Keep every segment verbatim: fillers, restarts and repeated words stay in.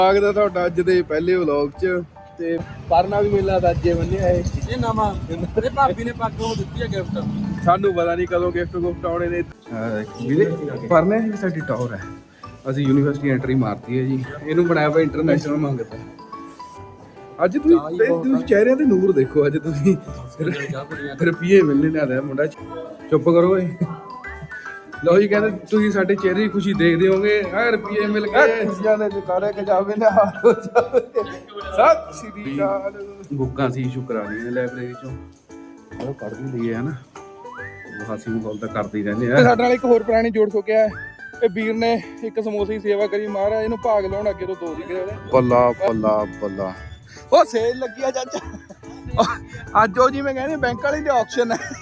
स्वागत है तुहाडा अज दे पहले व्लॉग च ते परना भी मेला दा अज्जे बन्निया है ये नवा ते भाभी ने पग ਉਹ ਦਿੱਤੀ ਹੈ ਗਿਫਟ ਸਾਨੂੰ ਪਤਾ ਨਹੀਂ ਕਦੋਂ ਗਿਫਟ ਗੁਫਟ ਆਉਣੇ ਨੇ ਵੀਰੇ ਪਰਨੇ ਦੀ ਸਾਡੀ ਟੌਰ ਹੈ ਅਸੀਂ ਯੂਨੀਵਰਸਿਟੀ ਐਂਟਰੀ ਮਾਰਤੀ ਹੈ ਜੀ ਇਹਨੂੰ ਬਣਾਇਆ ਵਾ ਇੰਟਰਨੈਸ਼ਨਲ ਮੰਗਤਾ ਅੱਜ ਤੁਸੀਂ ਤੁਸੀਂ ਚਿਹਰਿਆਂ ਤੇ ਨੂਰ ਦੇਖੋ ਅੱਜ ਤੁਸੀਂ ਰੁਪਈਏ ਮਿਲਣੇ ਨਾ ਦਾ ਮੁੰਡਾ ਚੁੱਪ ਕਰੋ ਏ ਲਓ ਜੀ ਕਹਿੰਦੇ ਤੁਸੀਂ ਸਾਡੇ ਚਿਹਰੇ ਦੀ ਖੁਸ਼ੀ ਦੇਖਦੇ ਹੋਗੇ ਆ ਰੁਪਈਏ ਮਿਲ ਗਏ ਖੁਸ਼ੀਆਂ ਦੇ ਜਕਾਰੇ ਖਜਾਵੇ ਨੇ ਹਾਰ ਹੋ ਜਾਵੇ ਸਤਿ ਸ਼੍ਰੀ ਅਕਾਲ ਬੁੱਕਾਂ ਸੀ ਸ਼ੁਕਰਾ ਦੀਆਂ ਲਾਇਬ੍ਰੇਰੀ ਚੋਂ ਉਹ ਪੜ੍ਹ ਵੀ ਲਈਏ ਹਨਾ ਉਹ ਹਾਸੀ ਮਖੌਲ ਤਾਂ ਕਰਦੇ ਹੀ ਰਹਿੰਦੇ ਆ ਸਾਡੇ ਨਾਲ ਇੱਕ ਹੋਰ ਪੁਰਾਣੀ ਜੋੜ ਚੁੱਕਿਆ ਇਹ ਵੀਰ ਨੇ ਇੱਕ ਸਮੋਸੇ ਦੀ ਸੇਵਾ ਕਰੀ ਮਹਾਰਾਜ ਇਹਨੂੰ ਭਾਗ ਲਾਉਣ ਅੱਗੇ ਤੋਂ ਦੋ ਸੀਗੇ ਉਹਦੇ ਬੱਲਾ ਬੱਲਾ ਬੱਲਾ ਉਹ ਸੇਲ ਲੱਗੀ ਆ ਚਾਚਾ ਅੱਜ ਉਹ ਜਿਵੇਂ ਕਹਿੰਦੇ ਬੈਂਕ ਵਾਲੀ ਦੇ ਆਕਸ਼ਨ ਹੈ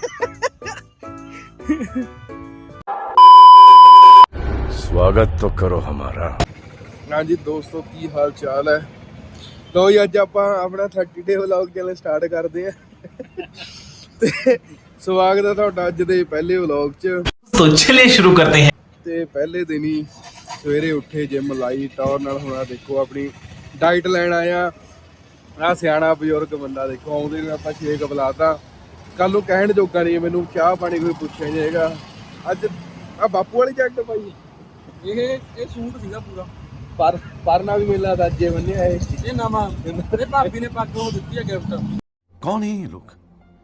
स्वागत तो करो हमारा। हाँ जी दोस्तों की हाल चाल है लो जी अज आप अपना thirty day vlog channel start करते हैं ते स्वागत है तुहाडा अज दे पहले व्लॉग च तो चलिए शुरू करते हैं ते पहले दिन ही सवेरे उठे जिम लाई टॉर नाल होना देखो अपनी डाइट लैन आया आ सियाणा बजुर्ग बंदा देखो आउंदे ने आपां छेक बुलाता कल नूं कहण जोगा नहीं मैनूं चाह पानी कोई पुछिया नहीं हैगा अज आ बापू वाली जैकट पाई ਇਹ ਇਹ ਸੂਟ ਸੀਗਾ ਪੂਰਾ पर परना भी मेला दा अज्जे बन्निया है ਇਹ ਨਵਾਂ ਤੇ ਭਾभी ਨੇ ਪੱਗ ਉਹ ਦਿੱਤੀ ਹੈ ਗਿਫਟ कौन है ये लोग?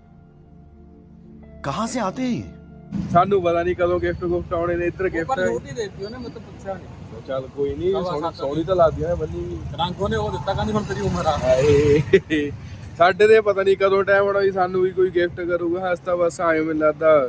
कहाँ से आते हैं ये? ਸਾਨੂੰ ਪਤਾ ਨਹੀਂ ਕਦੋਂ ਗਿਫਟ ਗੁਫਟ ਆਉਣੇ ਨੇ ਇੱਧਰ ਗਿਫਟ ਪਰ ਨੋਟ ਹੀ ਦੇਤੀ ਉਹਨੇ ਮੈਨੂੰ ਪੁੱਛਿਆ ਨਹੀਂ ਚੱਲ ਕੋਈ ਨਹੀਂ ਸੋਹਣੀ ਸੋਹਣੀ ਤਾਂ ਲੱਗਦੀ ਹੈ ਬੰਨੀ ਵੀ ਰੰਗ ਉਹਨੇ ਉਹ ਦਿੱਤਾ ਕਹਿੰਦੀ ਹੁਣ ਤੇਰੀ ਉਮਰ ਆ ਹਾਏ ਸਾਡੇ ਦੇ ਪਤਾ ਨਹੀਂ ਕਦੋਂ ਟਾਈਮ ਆਉਣਾ ਵੀ ਸਾਨੂੰ ਵੀ ਕੋਈ ਗਿਫਟ ਕਰੂਗਾ ਹਸਤਾ ਬਸ ਆਏ ਮੈਨੂੰ ਲੱਗਦਾ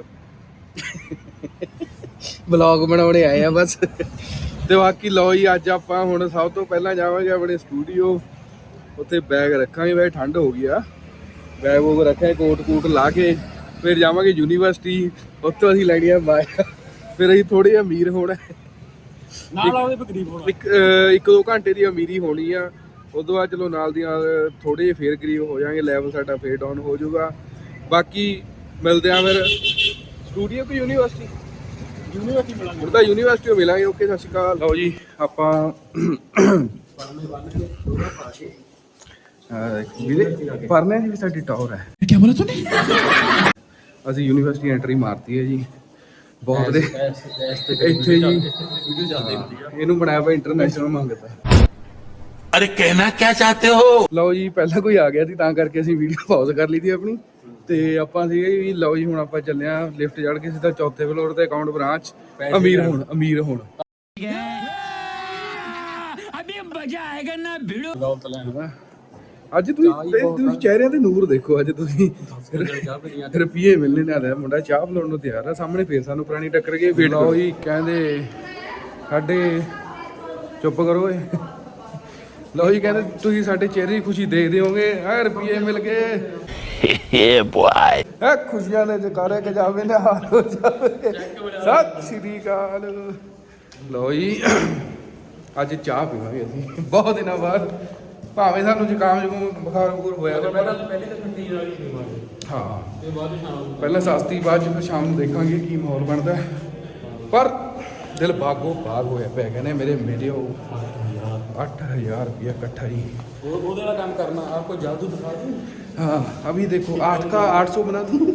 ਵਲੌਗ ਬਣਾਉਣੇ ਆਏ ਆ ਬਸ ਤੇ ਬਾਕੀ ਲਓ ਜੀ ਅੱਜ ਆਪਾਂ ਹੁਣ ਸਭ ਤੋਂ ਪਹਿਲਾਂ ਜਾਵਾਂਗੇ ਆਪਣੇ ਸਟੂਡੀਓ ਉੱਥੇ ਬੈਗ ਰੱਖਾਂਗੇ ਵੈਸੇ ਠੰਡ ਹੋ ਗਈ ਆ ਬੈਗ ਉਹ ਰੱਖਿਆ ਕੋਟ ਕੂਟ ਲਾ ਕੇ ਫਿਰ ਜਾਵਾਂਗੇ ਯੂਨੀਵਰਸਿਟੀ ਉੱਥੋਂ ਅਸੀਂ ਲੈਣੀ ਆ ਬਾਈਕ ਫਿਰ ਅਸੀਂ ਥੋੜੇ ਅਮੀਰ ਹੋਣਾ ਨਾਲ ਉਹਦੇ ਗਰੀਬ ਹੋਣਾ ਇੱਕ ਇੱਕ ਦੋ ਘੰਟੇ ਦੀ ਅਮੀਰੀ ਹੋਣੀ ਆ ਉਦੋਂ ਬਾਅਦ ਚਲੋ ਨਾਲ ਦੀ ਨਾਲ ਥੋੜੇ ਜਿਹੇ ਫੇਰ ਗਰੀਬ ਹੋ ਜਾਾਂਗੇ ਲੈਵਲ ਸਾਡਾ ਫੇਰ ਡਾਊਨ ਹੋ ਜਾਊਗਾ ਬਾਕੀ ਮਿਲਦੇ ਆ ਫਿਰ ਸਟੂਡੀਓ ਕਿ ਯੂਨੀਵਰਸਿਟੀ ਯੂਨੀਵਰਸਿਟੀ ਮਿਲਾਂਗੇ ਹੁਣ ਤਾਂ ਯੂਨੀਵਰਸਿਟੀ ਮਿਲਾਂਗੇ ਓਕੇ ਸਤਿ ਸ਼੍ਰੀ ਅਕਾਲ ਲਓ ਜੀ ਆਪਾਂ ਵੀਰੇ ਪਰਨੇ ਦੀ ਵੀ ਸਾਡੀ ਟੌਰ ਹੈ क्या बोला तूने ਅਸੀਂ ਯੂਨੀਵਰਸਿਟੀ ਐਂਟਰੀ ਮਾਰਤੀ ਹੈ ਜੀ ਬਹੁਤ ਦੇ ਇੱਥੇ ਜੀ ਇਹਨੂੰ ਬਣਾਇਆ ਵਾ ਇੰਟਰਨੈਸ਼ਨਲ ਮੰਗਤਾ अरे कहना क्या चाहते हो ਲਓ ਜੀ ਪਹਿਲਾਂ ਕੋਈ ਆ ਗਿਆ ਸੀ ਤਾਂ ਕਰਕੇ ਅਸੀਂ ਵੀਡੀਓ ਪਾਜ਼ ਕਰ ਲਈ ਸੀ ਆਪਣੀ ਤੇ ਆਪਾਂ ਸੀਗੇ ਵੀ ਲਓ ਜੀ ਹੁਣ ਆਪਾਂ ਚੱਲੇ ਆ ਲਿਫਟ ਚੜ੍ਹ ਕੇ ਸਿੱਧਾ ਚੌਥੇ ਫਲੋਰ ਤੇ ਅਕਾਊਂਟ ਬ੍ਰਾਂਚ ਅਮੀਰ ਹੁਣ ਅਮੀਰ ਹੁਣ अभी मजा आएगा ना भिड़ो ਦੌਲਤ ਲੈਣ ਅੱਜ ਤੁਸੀਂ ਤੁਸੀਂ ਚਿਹਰਿਆਂ ਤੇ ਨੂਰ ਦੇਖੋ ਅੱਜ ਤੁਸੀਂ ਰੁਪਈਏ ਮਿਲਣੇ ਨਾ ਦਾ ਮੁੰਡਾ ਚਾਹ ਬਣਾਉਣ ਨੂੰ ਤਿਆਰ ਆ ਸਾਹਮਣੇ ਫੇਰ ਸਾਨੂੰ ਪੁਰਾਣੀ ਟੱਕਰ ਗਈ ਵੇਟ ਲਓ ਜੀ ਕਹਿੰਦੇ ਸਾਡੇ ਚੁੱਪ ਕਰੋ ਏ ਲਓ ਜੀ ਕਹਿੰਦੇ ਤੁਸੀਂ ਸਾਡੇ ਚਿਹਰੇ ਦੀ ਖੁਸ਼ੀ ਦੇਖਦੇ ਹੋਗੇ ਆ ਰੁਪਈਏ ਮਿਲ ਗਏ ये बॉय। ਆ ਖੁਸ਼ੀਆਂ ਦੇ ਜਕਾਰੇ ਖਜਾਵੇ ਨੇ ਹਾਰ ਹੋ ਜਾਵੇ ਸਤਿ ਸ਼੍ਰੀ ਅਕਾਲ ਲਓ ਜੀ ਅੱਜ ਚਾਹ ਪੀਵਾਂਗੇ ਅਸੀਂ ਬਹੁਤ ਦਿਨਾਂ ਬਾਅਦ ਭਾਵੇਂ ਸਾਨੂੰ ਜ਼ੁਕਾਮ ਜ਼ੁਕਾਮ ਬੁਖਾਰ ਬੁਖਾਰ ਹੋਇਆ ਤਾਂ ਪਹਿਲਾਂ ਪਹਿਲੀ ਤਾਂ ਠੰਡੀ ਵਾਲੀ ਪੀਵਾਂਗੇ ਹਾਂ ਤੇ ਬਾਅਦ ਸ਼ਾਮ ਪਹਿਲਾਂ ਸਸਤੀ ਬਾਅਦ ਚ ਫਿਰ ਸ਼ਾਮ ਨੂੰ ਦੇਖਾਂਗੇ ਕੀ ਮਾਹੌਲ ਬਣਦਾ ਪਰ ਦਿਲ ਬਾਗੋ ਬਾਗ ਹੋਇਆ ਪਿਆ ਕਹਿੰਦੇ ਮੇਰੇ ਮੇਰੇ ਉਹ ਅੱਠ ਹਜ਼ਾਰ रुपया इकट्ठा ही ਉਹ ਉਹਦੇ ਵਾਲਾ ਕੰਮ ਕਰਨਾ ਆਪਕੋ ਜਾਦੂ ਦਿਖਾ ਦੂੰ हाँ अभी देखो आठ का आठ सौ बना दूँ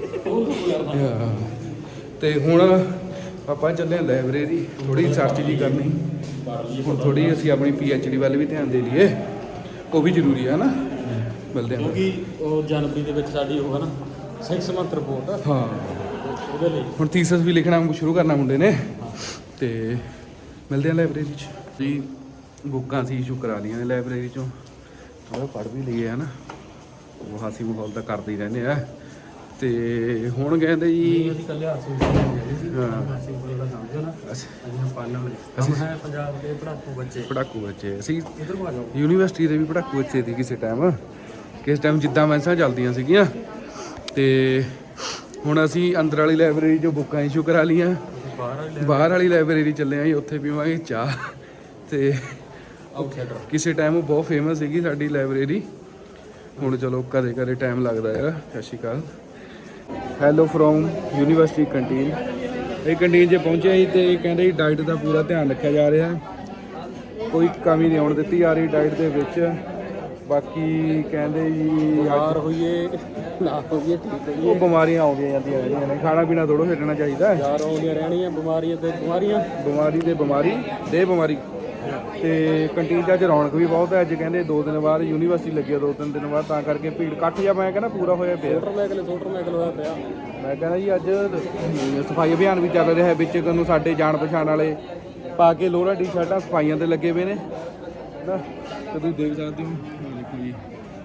तो हूँ ਆਪਾਂ ਚੱਲੇ ਲਾਇਬ੍ਰੇਰੀ ਥੋੜੀ ਰਿਸਰਚ ਜੀ ਕਰਨੀ ਹੁਣ ਥੋੜੀ ਅਸੀਂ ਆਪਣੀ ਪੀ ਐਚ ਡੀ ਵੱਲ ਵੀ ਧਿਆਨ ਦੇ ਲਈਏ ਉਹ ਵੀ ਜ਼ਰੂਰੀ ਹੈ ਨਾ ਮਿਲਦੇ ਹਾਂ ਕਿਉਂਕਿ ਉਹ ਜਨਵਰੀ ਦੇ ਵਿੱਚ ਸਾਡੀ ਉਹ ਹੈ ਨਾ ਸਿਕਸ ਮੰਥ ਰਿਪੋਰਟ ਹਾਂ ਉਹਦੇ ਲਈ ਹੁਣ ਥੀਸਿਸ ਵੀ ਲਿਖਣਾ ਸ਼ੁਰੂ ਕਰਨਾ ਮੁੰਡੇ ਨੇ ਤੇ ਮਿਲਦੇ ਹਾਂ ਲਾਇਬ੍ਰੇਰੀ 'ਚ ਜੀ ਬੁੱਕਾਂ ਸੀ ਇਸ਼ੂ ਕਰਾ ਲਈਆਂ ਨੇ ਲਾਇਬ੍ਰੇਰੀ 'ਚੋਂ ਥੋੜਾ ਪੜ੍ਹ ਵੀ ਲਈਏ ਹੈ ਨਾ ਉਹ ਹਾਸੀ ਮਖੌਲ ਤਾਂ ਕਰਦੇ ਹੀ ਰਹਿੰਦੇ ਆ ਤੇ ਹੁਣ ਕਹਿੰਦੇ ਜੀ ਅਸੀਂ ਕੱਲੇ ਹਾਸੀ ਹਾਂ ਹਾਸੀ ਬੋਲਦਾ ਸਮਝੋ ਨਾ ਅਸੀਂ ਪਾਲਣ ਅਸੀਂ ਹੈ ਪੰਜਾਬ ਦੇ ਪੜਾਕੂ ਬੱਚੇ ਪੜਾਕੂ ਬੱਚੇ ਅਸੀਂ ਇਧਰ ਨੂੰ ਆ ਜਾਓ ਯੂਨੀਵਰਸਿਟੀ ਦੇ ਵੀ ਪੜਾਕੂ ਬੱਚੇ ਸੀ ਕਿਸੇ ਟਾਈਮ ਕਿਸ ਟਾਈਮ ਜਿੱਦਾਂ ਮੈਂਸਾਂ ਚੱਲਦੀਆਂ ਸੀਗੀਆਂ ਤੇ ਹੁਣ ਅਸੀਂ ਅੰਦਰ ਵਾਲੀ ਲਾਇਬ੍ਰੇਰੀ 'ਚੋਂ ਬੁੱਕਾਂ ਇਸ਼ੂ ਕਰਾ ਲਈਆਂ ਬਾਹਰ ਵਾਲੀ ਲਾਇਬ੍ਰੇਰੀ ਚੱਲੇ ਆਂ ਜੀ ਉੱਥੇ ਪੀਵਾਂਗੇ ਚਾਹ ਤੇ ਕਿਸੇ ਟਾਈਮ ਉਹ ਬਹੁਤ ਫੇਮਸ ਸੀਗੀ ਸਾਡੀ ਲਾਇਬ੍ਰੇਰੀ ਹੁਣ ਚਲੋ ਕਦੇ ਕਦੇ ਟਾਈਮ ਲੱਗਦਾ ਯਾਰ Sat Sri Akal hello from university canteen ਇਹ ਕੰਟੀਨ 'ਚ ਪਹੁੰਚੇ ਸੀ ਤੇ ਕਹਿੰਦੇ ਡਾਈਟ ਦਾ ਪੂਰਾ ਧਿਆਨ ਰੱਖਿਆ ਜਾ ਰਿਹਾ ਕੋਈ ਕਮੀ ਨਹੀਂ ਆਉਣ ਦਿੱਤੀ ਜਾ ਰਹੀ ਡਾਈਟ ਦੇ ਵਿੱਚ। ਬਾਕੀ ਕਹਿੰਦੇ ਜੀ ਬਿਮਾਰ ਹੋਈਏ ਨਾ ਹੋਈਏ ਠੀਕ ਉਹ ਹੋਈਏ, ਬਿਮਾਰੀਆਂ ਆਉਂਦੀਆਂ ਜਾਂਦੀਆਂ ਰਹਿੰਦੀਆਂ ਨੇ, ਖਾਣਾ ਪੀਣਾ ਥੋੜ੍ਹਾ ਛੱਡਣਾ ਚਾਹੀਦਾ। ਯਾਰ ਆਉਂਦੀਆਂ ਰਹਿਣੀਆਂ ਬਿਮਾਰੀਆਂ ਤੇ ਬਿਮਾਰੀਆਂ। ਬਿਮਾਰੀ ਦੇ ਬਿਮਾਰੀ ਦੇ ਬਿਮਾਰੀ ਤੇ ਕੰਟੀਨ 'ਚ ਅੱਜ ਰੌਣਕ ਵੀ ਬਹੁਤ ਹੈ। ਅੱਜ ਕਹਿੰਦੇ ਦੋ ਦਿਨ ਬਾਅਦ ਯੂਨੀਵਰਸਿਟੀ ਲੱਗੀ ਆ, ਦੋ ਤਿੰਨ ਦਿਨ ਬਾਅਦ, ਤਾਂ ਕਰਕੇ ਭੀੜ ਇਕੱਠ ਜਾਂ ਮੈਂ ਕਹਿੰਦਾ ਪੂਰਾ ਹੋਇਆ ਪਿਆ। ਸੋਟਰ ਮੈਕਲ ਸੋਟਰ ਮੈਕਲ ਹੋਇਆ ਪਿਆ। ਮੈਂ ਕਹਿੰਦਾ ਜੀ ਅੱਜ ਸਫਾਈ ਅਭਿਆਨ ਵੀ ਚੱਲ ਰਿਹਾ ਹੈ। ਵਿੱਚ ਨੂੰ ਸਾਡੇ ਜਾਣ ਪਛਾਣ ਵਾਲੇ ਪਾ ਕੇ ਲੋਹਰਾ ਟੀ ਸ਼ਰਟਾਂ ਸਫਾਈਆਂ 'ਤੇ ਲੱਗੇ ਪਏ ਨੇ ਨਾ, ਤੇ ਤੁਸੀਂ ਦੇਖ ਸਕਦੇ ਹੋ। ਦੇਖੋ ਜੀ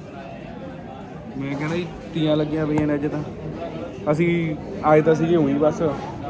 ਮੈਂ ਕਹਿੰਦਾ ਜੀ ਤੀਆਂ ਲੱਗੀਆਂ ਪਈਆਂ ਨੇ ਅੱਜ ਤਾਂ। ਅਸੀਂ ਆਏ ਤਾਂ ਸੀਗੇ ਉਹੀ ਬਸ,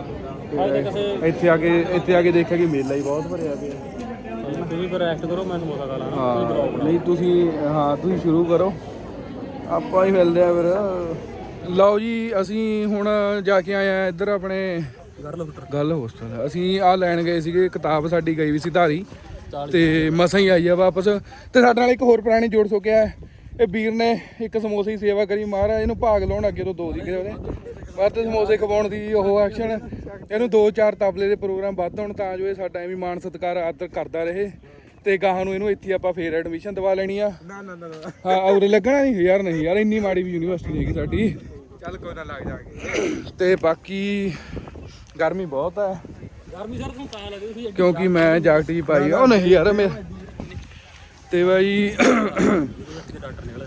ਤੇ ਇੱਥੇ ਆ ਕੇ ਇੱਥੇ ਆ ਕੇ ਦੇਖਿਆ ਕਿ ਮੇਲਾ ਹੀ ਬਹੁਤ ਭਰਿਆ ਪਿਆ। ਤੁਸੀਂ ਫਿਰ ਰੈਸਟ ਕਰੋ, ਮੈਨੂੰ ਮੌਕਾ ਲਾ ਲਾਣਾ। ਹਾਂ ਨਹੀਂ ਤੁਸੀਂ ਹਾਂ ਤੁਸੀਂ ਸ਼ੁਰੂ ਕਰੋ, ਆਪਾਂ ਹੀ ਮਿਲਦੇ ਆ ਫਿਰ। ਲਓ ਜੀ ਅਸੀਂ ਹੁਣ ਜਾ ਕੇ ਆਏ ਆ ਇੱਧਰ ਆਪਣੇ ਗੱਲ ਹੋਸਟਲ। ਅਸੀਂ ਆ ਲੈਣ ਗਏ ਸੀਗੇ ਕਿਤਾਬ, ਸਾਡੀ ਗਈ ਵੀ ਸੀ ਧਾਰੀ ਤੇ ਮਸਾਂ ਹੀ ਆਈ ਆ ਵਾਪਸ। ਤੇ ਸਾਡੇ ਨਾਲ ਇੱਕ ਹੋਰ ਪੁਰਾਣੀ ਜੋੜ ਸੋ ਗਿਆ, ਇਹ ਵੀਰ ਨੇ ਇੱਕ ਸਮੋਸੇ ਦੀ ਸੇਵਾ ਕਰੀ, ਮਹਾਰਾਜ ਇਹਨੂੰ ਭਾਗ ਲਾਉਣ ਅੱਗੇ ਤੋਂ ਦੋ ਦੀ ਕਰੇ ਉਹਨੇ ਵੱਧ ਸਮੋਸੇ ਖਵਾਉਣ ਦੀ ਉਹ ਐਕਸ਼ਨ। ਇਹਨੂੰ ਦੋ ਚਾਰ ਤਬਲੇ ਦੇ ਪ੍ਰੋਗਰਾਮ ਵੱਧ ਹੋਣ ਤਾਂ ਜੋ ਇਹ ਸਾਡਾ ਐਵੇਂ ਮਾਣ ਸਤਿਕਾਰ ਆਦਰ ਕਰਦਾ ਰਹੇ। ਤੇ ਗਾਹਾਂ ਨੂੰ ਇਹਨੂੰ ਇੱਥੇ ਆਪਾਂ ਫੇਰ ਐਡਮਿਸ਼ਨ ਦਵਾ ਲੈਣੀ ਆ। ਨਾ ਨਾ ਨਾ ਹਾਂ ਉਰੇ ਲੱਗਣਾ ਨਹੀਂ ਯਾਰ, ਨਹੀਂ ਯਾਰ ਇੰਨੀ ਮਾੜੀ ਵੀ ਯੂਨੀਵਰਸਿਟੀ ਨਹੀਂ ਹੈਗੀ ਸਾਡੀ। ਚੱਲ ਕੋਈ ਨਾ ਲੱਗ ਜਾਗੇ। ਤੇ ਬਾਕੀ ਗਰਮੀ ਬਹੁਤ ਹੈ, ਗਰਮੀ ਸਰ ਤੁਹਾਨੂੰ ਤਾਂ ਲੱਗਦੀ ਸੀ ਕਿਉਂਕਿ ਮੈਂ ਜਾਕਟ ਜੀ ਪਾਈ ਆ। ਉਹ ਨਹੀਂ ਯਾਰ ਮੇਰਾ ਤੇ ਬਾਈ ਡਾਕਟਰ ਨਿਕਲੇ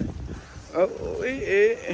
ਇਹ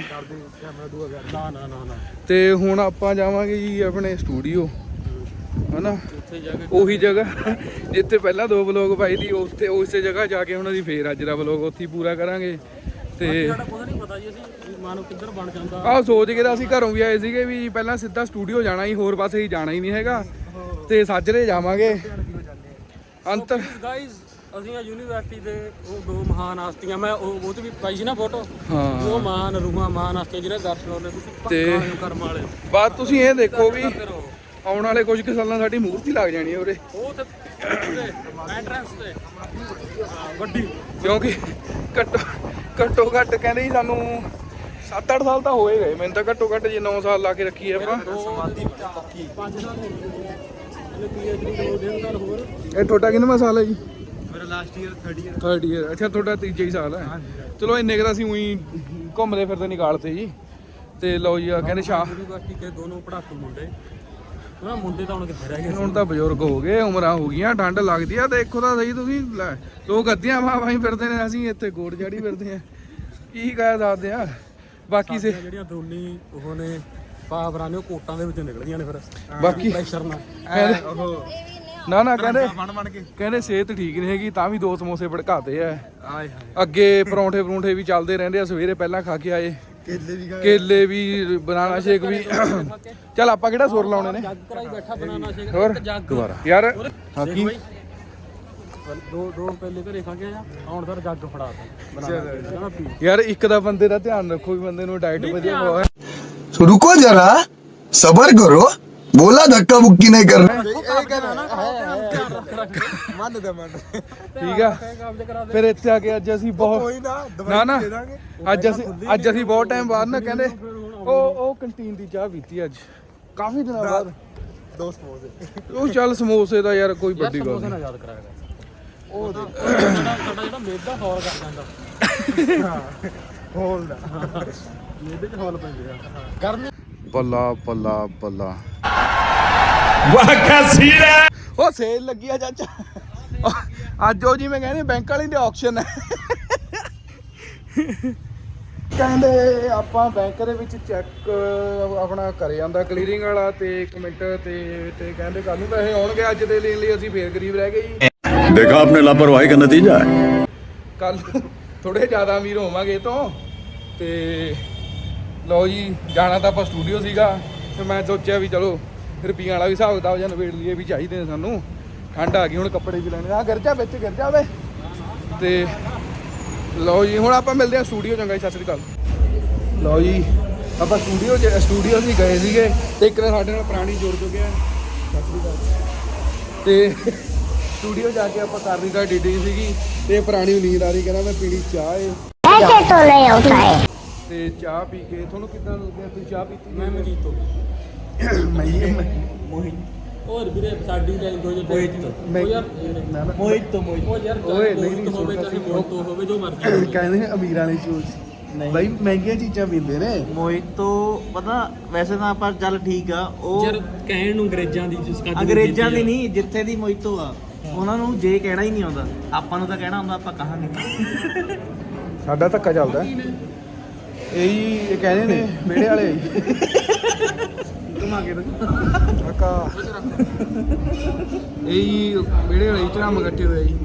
ਨਾ ਨਾ ਨਾ ਨਾ ਤੇ ਹੁਣ ਆਪਾਂ ਜਾਵਾਂਗੇ ਜੀ ਆਪਣੇ ਸਟੂਡੀਓ ਹਨਾ, ਉੱਥੇ ਜਾ ਕੇ ਉਹੀ ਜਗ੍ਹਾ ਜਿੱਥੇ ਪਹਿਲਾਂ ਦੋ ਵਲੋਗ ਪਾਈ ਦੀ, ਉੱਥੇ ਉਸੇ ਜਗ੍ਹਾ ਜਾ ਕੇ ਹੁਣ ਅਸੀਂ ਫੇਰ ਅੱਜ ਦਾ ਵਲੋਗ ਉੱਥੇ ਹੀ ਪੂਰਾ ਕਰਾਂਗੇ। ਤੇ ਸਾਡਾ ਕੁਝ ਨਹੀਂ ਪਤਾ ਜੀ, ਅਸੀਂ ਮਾਨੋ ਕਿੱਧਰ ਬਣ ਜਾਂਦਾ। ਆਹ ਸੋਚ ਕੇ ਤਾਂ ਅਸੀਂ ਘਰੋਂ ਵੀ ਆਏ ਸੀਗੇ ਵੀ ਪਹਿਲਾਂ ਸਿੱਧਾ ਸਟੂਡੀਓ ਜਾਣਾ ਹੀ, ਹੋਰ ਪਾਸੇ ਹੀ ਜਾਣਾ ਹੀ ਨਹੀਂ ਹੈਗਾ। ਤੇ ਸਾਜਰੇ ਜਾਵਾਂਗੇ ਅੰਤਰ। ਗਾਇਜ਼ ਅਸੀਂ ਆ ਯੂਨੀਵਰਸਿਟੀ ਦੇ ਉਹ ਦੋ ਮਹਾਨ ਹਸਤੀਆਂ, ਮੈਂ ਉਹ ਉਹ ਤੇ ਵੀ ਪਾਈ ਸੀ ਨਾ ਫੋਟੋ। ਹਾਂ ਉਹ ਮਹਾਨ ਰੂਹਾਂ ਮਹਾਨ ਹਸਤੀਆਂ ਜਿਹੜੇ ਦਰਸ਼ਨ ਹੋਣੇ ਤੁਸੀਂ ਤੇ ਪੱਕਾ ਕਰਮ ਵਾਲੇ। ਬਾਤ ਤੁਸੀਂ ਇਹ ਦੇਖੋ ਵੀ ਫਿਰ ਉਹ ਆਉਣ ਵਾਲੇ ਕੁਝ ਕੁ ਸਾਲਾਂ ਸਾਡੀ ਮੂਰਤੀ ਲੱਗ ਜਾਣੀ ਹੈ ਉਰੇ, ਉਹ ਤੇ ਐਂਟਰੈਂਸ ਤੇ ਵੱਡੀ, ਕਿਉਂਕਿ ਘੱਟੋ ਘੱਟੋ ਘੱਟ ਕਹਿੰਦੇ ਜੀ ਸਾਨੂੰ ਸੱਤ ਅੱਠ ਸਾਲ ਤਾਂ ਹੋਏ ਗਏ ਮੈਨੂੰ ਤਾਂ, ਘੱਟੋ ਘੱਟ ਜੇ ਨੌ ਸਾਲ ਲਾ ਕੇ ਰੱਖੀਏ ਆਪਾਂ। ਪੰਜ ਸਾਲ ਹੋ ਗਏ ਪੀਐਚਡੀ ਦੋ ਦਿਨ ਨਾਲ ਹੋਰ। ਇਹ ਤੁਹਾਡਾ ਕਿੰਨਵਾਂ ਸਾਲ ਹੈ ਜੀ? ਮੇਰਾ last year third year third year. ਅੱਛਾ ਤੁਹਾਡਾ ਤੀਜਾ ਹੀ ਸਾਲ ਹੈ। ਚਲੋ ਇੰਨੇ ਕੁ ਤਾਂ ਅਸੀਂ ਉਹੀ ਘੁੰਮਦੇ ਫਿਰਦੇ ਨਿਕਾਲਤੇ ਜੀ। ਤੇ ਲਓ ਜੀ ਆ ਕਹਿੰਦੇ ਸ਼ਾਹ ਯੂਨੀਵਰਸਿਟੀ ਕੇ ਦੋਨੋਂ ਪੜਾਕੂ ਮੁੰਡੇ, ਉਹਨਾਂ ਮੁੰਡੇ ਤਾਂ ਹੁਣ ਕਿੱਥੇ ਰਹਿ ਗਏ। ਹੁਣ ਤਾਂ ਬਜ਼ੁਰਗ ਹੋ ਗਏ, ਉਮਰਾਂ ਹੋ ਗਈਆਂ, ਠੰਡ ਲੱਗਦੀ ਆ। ਦੇਖੋ ਤਾਂ ਸਹੀ ਤੁਸੀਂ ਲੈ, ਲੋਕ ਅੱਧੀਆਂ ਵਾਹ ਵਾਹੀ ਫਿਰਦੇ ਨੇ, ਅਸੀਂ ਇੱਥੇ ਗੋੜ ਜਾੜੀ ਫਿਰਦੇ ਆ, ਕੀ ਕਹਿ ਸਕਦੇ ਆ। ਬਾਕੀ ਸੇ ਜਿਹੜੀਆਂ ਦੋਨੀ ਉਹ ਨੇ ਪਾਵਰਾਂ ਨੇ ਉਹ ਕੋਟਾਂ ਦੇ ਵਿੱਚੋਂ ਨਿਕਲਦੀਆਂ ਨੇ ਫਿਰ ਬਾਕੀ ਪ੍ਰੈਸ਼ਰ ਨਾਲ। ਕਹਿੰਦੇ ਨਾ ਨਾ ਕਹਿੰਦੇ ਕਹਿੰਦੇ ਸਿਹਤ ਠੀਕ ਨਹੀਂ ਹੈਗੀ ਤਾਂ ਵੀ ਦੋ ਸਮੋਸੇ ਭੜਕਾਤੇ ਆ। ਅੱਗੇ ਪਰੌਂਠੇ ਪਰੌਂਠੇ ਵੀ ਚੱਲਦੇ ਰਹਿੰਦੇ ਆ, ਸਵੇਰੇ ਪਹਿਲਾਂ ਖਾ ਕੇ ਆਏ, ਕੇਲੇ ਵੀ ਬਨਾਨਾ ਸ਼ੇਕ ਵੀ। ਚੱਲ ਆਪਾਂ ਕਿਹੜਾ ਸੁਰ ਲਾਉਣੇ ਨੇ, ਜੱਗ ਕਰਾਈ ਬੈਠਾ ਬਨਾਨਾ ਸ਼ੇਕ ਹੋਰ ਜੱਗ ਦੁਬਾਰਾ ਯਾਰ ਹਾਂ ਕੀ ਦੋ ਦੋ ਪਹਿਲੇ ਘਰੇ ਖਾ ਕੇ ਆਇਆ, ਹੁਣ ਸਰ ਜੱਗ ਫੜਾ ਤਾ ਬਨਾਨਾ ਪੀ। ਯਾਰ ਇੱਕ ਦਾ ਬੰਦੇ ਦਾ ਧਿਆਨ ਰੱਖੋ ਵੀ ਬੰਦੇ ਨੂੰ ਡਾਈਟ ਵਧੀਆ ਖਵਾਓ। रुको जरा सबर करो, बोला धक्का मुक्की नहीं करना। ਠੀਕ ਆ ਫਿਰ ਇੱਥੇ ਆ ਕੇ ਅੱਜ ਅਸੀਂ ਬਹੁਤ ਨਾ ਨਾ ਅੱਜ ਅਸੀਂ ਅੱਜ ਅਸੀਂ ਬਹੁਤ ਟਾਈਮ ਬਾਅਦ ਨਾ ਕਹਿੰਦੇ ਉਹ ਉਹ ਕੰਟੀਨ ਦੀ ਚਾਹ ਪੀਤੀ ਅੱਜ ਕਾਫੀ ਦਿਨਾਂ ਬਾਅਦ। दो समोसे ਉਹ ਚੱਲ ਸਮੋਸੇ ਦਾ ਯਾਰ ਕੋਈ ਵੱਡੀ ਗੱਲ ਸਮੋਸੇ ਨਹੀਂ। ਨਾਲ ਯਾਦ ਕਰਾਇਆ ਉਹ ਸਾਡਾ ਸਾਡਾ ਜਿਹੜਾ ਮੇਦਾ ਹੌਲ ਕਰ ਜਾਂਦਾ होल दा ਮੇਦੇ ਚ ਹੌਲ ਪੈਂਦੇ ਆ ਗਰਮੀ। ਬੱਲਾ ਬੱਲਾ ਬੱਲਾ वाह क्या सीन है। ਉਹ ਸੇਲ ਲੱਗੀ ਆ ਚਾਚਾ ਅੱਜ। ਉਹ ਜਿਵੇਂ ਕਹਿੰਦੇ ਬੈਂਕ ਵਾਲੀ ਦੇ ਆਕਸ਼ਨ ਹੈ। ਕਹਿੰਦੇ ਆਪਾਂ ਬੈਂਕ ਦੇ ਵਿੱਚ ਚੈੱਕ ਆਪਣਾ ਕਰੇ ਜਾਂਦਾ ਕਲੀਅਰਿੰਗ ਵਾਲਾ, ਤੇ ਇੱਕ ਮਿੰਟ ਤੇ ਤੇ ਕਹਿੰਦੇ ਕੱਲ ਨੂੰ ਪੈਸੇ ਆਉਣਗੇ। ਅੱਜ ਦੇ ਲੈਣ ਲਈ ਅਸੀਂ ਫੇਰ ਗਰੀਬ ਰਹਿ ਗਏ ਜੀ। देखा आपने लापरवाही का नतीजा है। ਕੱਲ ਥੋੜੇ ਜ਼ਿਆਦਾ ਅਮੀਰ ਹੋਵਾਂਗੇ ਇਹ ਤੋਂ। ਤੇ ਲਓ ਜੀ ਜਾਣਾ ਤਾਂ ਆਪਾਂ ਸਟੂਡੀਓ ਸੀਗਾ, ਤੇ ਮੈਂ ਸੋਚਿਆ ਵੀ ਚਲੋ ਰੁਪਈਆਂ ਵਾਲਾ ਵੀ ਹਿਸਾਬ ਕਿਤਾਬ ਜਾਂ ਨਵੇੜ ਲਈਏ ਵੀ ਚਾਹੀਦੇ ਨੇ ਸਾਨੂੰ। ਠੰਡ ਆ ਗਈ ਹੁਣ ਕੱਪੜੇ ਵੀ ਲੈਣੇ ਆ, ਗਿਰ ਜਾ ਵਿੱਚ ਗਿਰ ਜਾ ਵੇ। ਤੇ ਲਓ ਜੀ ਹੁਣ ਆਪਾਂ ਮਿਲਦੇ ਹਾਂ ਸਟੂਡੀਓ। ਚੰਗਾ ਜੀ, ਸਤਿ ਸ੍ਰੀ ਅਕਾਲ। ਲਓ ਜੀ ਆਪਾਂ ਸਟੂਡੀਓ ਸਟੂਡੀਓ ਅਸੀਂ ਗਏ ਸੀਗੇ, ਤੇ ਇੱਕ ਨੇ ਸਾਡੇ ਨਾਲ ਪੁਰਾਣੀ ਜੁੜ ਚੁੱਕਿਆ। ਸਤਿ ਸ੍ਰੀ ਅਕਾਲ। ਤੇ ਸਟੂਡੀਓ ਜਾ ਕੇ ਆਪਾਂ ਕਰਨੀ ਤਾਂ ਡੀਡੀ ਸੀਗੀ, ਤੇ ਪੁਰਾਣੀ ਨੀਂਦ ਆ ਰਹੀ, ਕਹਿੰਦਾ ਮੈਂ ਪੀਣੀ ਚਾਹ ਏ। ऐसे तो नहीं होता है। ਤੇ ਚਾਹ ਪੀ ਕੇ ਤੁਹਾਨੂੰ ਕਿੱਦਾਂ ਲੱਗਿਆ? ਤੁਸੀਂ ਚਾਹ ਪੀਤੀ? ਮੈਂ ਮਜੀਦ ਤੋਂ ਮੈਂ ਮੋਹਿਤ ਹੋਰ ਵੀਰੇ ਸਾਡੀ ਲੈਂਗੁਏਜ ਮੈਂ- ਉਹ ਯਾਰ ਮੈਂ ਨਾ- ਮੋਹਿਤ ਤੋਂ ਮੋਹਿਤ ਉਹ ਯਾਰ ਓਏ, ਓਏ ਨਹੀਂ, ਨਹੀਂ ਨਹੀਂ, ਹੋਵੇ ਸੁਣਦਾ ਚਾਹੇ ਸੀ। ਮੋਹਿਤ ਤੋਂ ਹੋਵੇ ਜੋ ਮਰਜ਼ੀ ਹੋਵੇ। ਕਹਿੰਦੇ ਨੇ ਅਮੀਰਾਂ ਵਾਲੀ ਚੂਜ਼ ਬਾਈ ਮਹਿੰਗੀਆਂ ਚੀਜ਼ਾਂ ਪੀਂਦੇ ਨੇ ਮੋਹਿਤੋ ਪਤਾ ਵੈਸੇ ਤਾਂ ਆਪਾਂ ਚੱਲ ਠੀਕ ਆ ਉਹ ਯਾਰ ਕਹਿਣ ਨੂੰ ਅੰਗਰੇਜ਼ਾਂ ਦੀ ਜਿਸ ਕੱਦ ਅੰਗਰੇਜ਼ਾਂ ਦੀ ਨਹੀਂ ਜਿੱਥੇ ਦੀ ਮੋਹਿਤੋ ਆ ਉਹਨਾਂ ਨੂੰ ਜੇ ਕਹਿਣਾ ਹੀ ਨਹੀਂ ਆਉਂਦਾ ਆਪਾਂ ਨੂੰ ਤਾਂ ਕਹਿਣਾ ਆਉਂਦਾ ਆਪਾਂ ਕਹਾਂਗੇ ਸਾਡਾ ਧੱਕਾ ਚੱਲਦਾ ਇਹੀ ਇਹ ਕਹਿੰਦੇ ਨੇ ਵਿਹੜੇ ਵਾਲੇ ਘੁਮਾ ਕੇ ਕਾਕਾ ਇਹੀ ਵਿਹੜੇ ਵਾਲੇ ਝੜਮ ਇਕੱਠੇ ਹੋਏ ਜੀ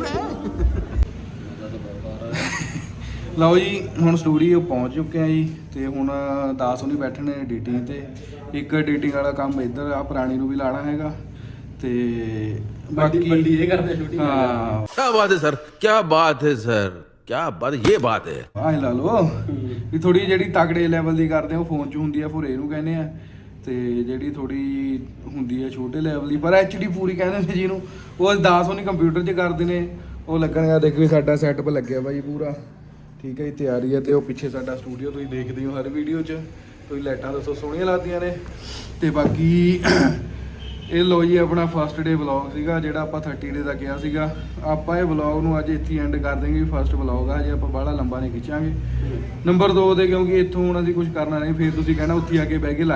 ਲਓ ਜੀ ਹੁਣ ਸਟੂਡੀਓ ਪਹੁੰਚ ਚੁੱਕੇ ਆ ਜੀ ਤੇ ਹੁਣ ਦਾਸ ਹੁਣੀ ਬੈਠੇ ਨੇ ਐਡੀਟਿੰਗ ਤੇ ਇੱਕ ਐਡੀਟਿੰਗ ਵਾਲਾ ਕੰਮ ਇੱਧਰ ਆ ਪੁਰਾਣੀ ਨੂੰ ਵੀ ਲਾਣਾ ਹੈਗਾ ਤੇ ਬਾਕੀ ਵੱਡੀ ਇਹ ਕਰਦੇ ਸ਼ੂਟਿੰਗ ਹਾਂ क्या बात है सर क्या बात है सर क्या बात ये बात है ਆਹ ਲਾ ਲਓ ਵੀ ਥੋੜੀ ਜਿਹੜੀ ਤਗੜੇ ਲੈਵਲ ਦੀ ਕਰਦੇ ਆ ਉਹ ਫੋਨ 'ਚ ਹੁੰਦੀ ਆ ਫੁਰੇ ਨੂੰ ਕਹਿੰਦੇ ਆ ਤੇ ਜਿਹੜੀ ਥੋੜੀ ਹੁੰਦੀ ਆ ਛੋਟੇ ਲੈਵਲ ਦੀ ਪਰ ਐਚਡੀ ਪੂਰੀ ਕਹਿੰਦੇ ਨੇ ਜਿਹਨੂੰ ਉਹ ਦਾਸ ਹੁਣੀ ਕੰਪਿਊਟਰ 'ਚ ਕਰਦੇ ਨੇ ਉਹ ਲੱਗਣਗਾ ਦੇਖ ਵੀ ਸਾਡਾ ਸੈਟਅਪ ਲੱਗਿਆ ਬਾਈ ਪੂਰਾ ਠੀਕ ਹੈ ਜੀ ਤਿਆਰੀ ਹੈ ਤੇ ਉਹ ਪਿੱਛੇ ਸਾਡਾ ਸਟੂਡੀਓ ਤੁਸੀਂ ਦੇਖਦੇ ਹੋ ਹਰ ਵੀਡੀਓ 'ਚ ਕੋਈ ਲਾਈਟਾਂ ਦੱਸੋ ਸੋਹਣੀਆਂ ਲੱਗਦੀਆਂ ਨੇ ਤੇ ਬਾਕੀ ਇਹ ਲੋ ਜੀ ਆਪਣਾ ਫਸਟ ਡੇ ਵਲੌਗ ਸੀਗਾ ਜਿਹੜਾ ਆਪਾਂ ਥਰਟੀ ਡੇ ਦਾ ਕਿਹਾ ਸੀਗਾ ਆਪਾਂ ਇਹ ਵਲੌਗ ਨੂੰ ਅੱਜ ਇੱਥੇ ਐਂਡ ਕਰ ਦੇਂਗੇ ਫਸਟ ਵਲੌਗ ਆ ਜੇ ਆਪਾਂ ਬਾਹਲਾ ਲੰਬਾ ਨਹੀਂ ਖਿੱਚਾਂਗੇ ਨੰਬਰ ਦੋ ਤੇ ਕਿਉਂਕਿ ਇੱਥੋਂ ਹੁਣ ਅਸੀਂ ਕੁਝ ਕਰਨਾ ਨਹੀਂ ਫਿਰ ਤੁਸੀਂ ਕਹਿਣਾ ਉੱਥੇ ਆ ਕੇ ਬਹਿ ਕੇ ਲੱਗ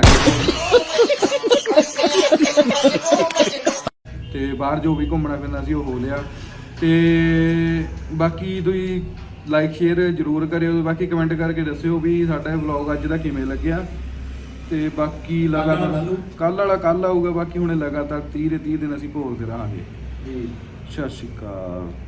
ਤੇ ਬਾਹਰ ਜੋ ਵੀ ਘੁੰਮਣਾ ਫਿਰਨਾ ਸੀ ਉਹ ਹੋ ਲਿਆ ਤੇ ਬਾਕੀ ਤੁਸੀਂ ਲਾਈਕ ਸ਼ੇਅਰ ਜ਼ਰੂਰ ਕਰਿਓ ਬਾਕੀ ਕਮੈਂਟ ਕਰਕੇ ਦੱਸਿਓ ਵੀ ਸਾਡਾ ਇਹ ਵਲੌਗ ਅੱਜ ਦਾ ਕਿਵੇਂ ਲੱਗਿਆ ਤੇ ਬਾਕੀ ਲਗਾਤਾਰ ਕੱਲ ਵਾਲਾ ਕੱਲ ਆਊਗਾ ਬਾਕੀ ਹੁਣ ਲਗਾਤਾਰ ਤੀਹ ਦੇ ਤੀਹ ਦਿਨ ਅਸੀਂ ਭੋਗਦੇ ਰਹਾਂਗੇ ਜੀ ਸਤਿ ਸ਼੍ਰੀ ਅਕਾਲ।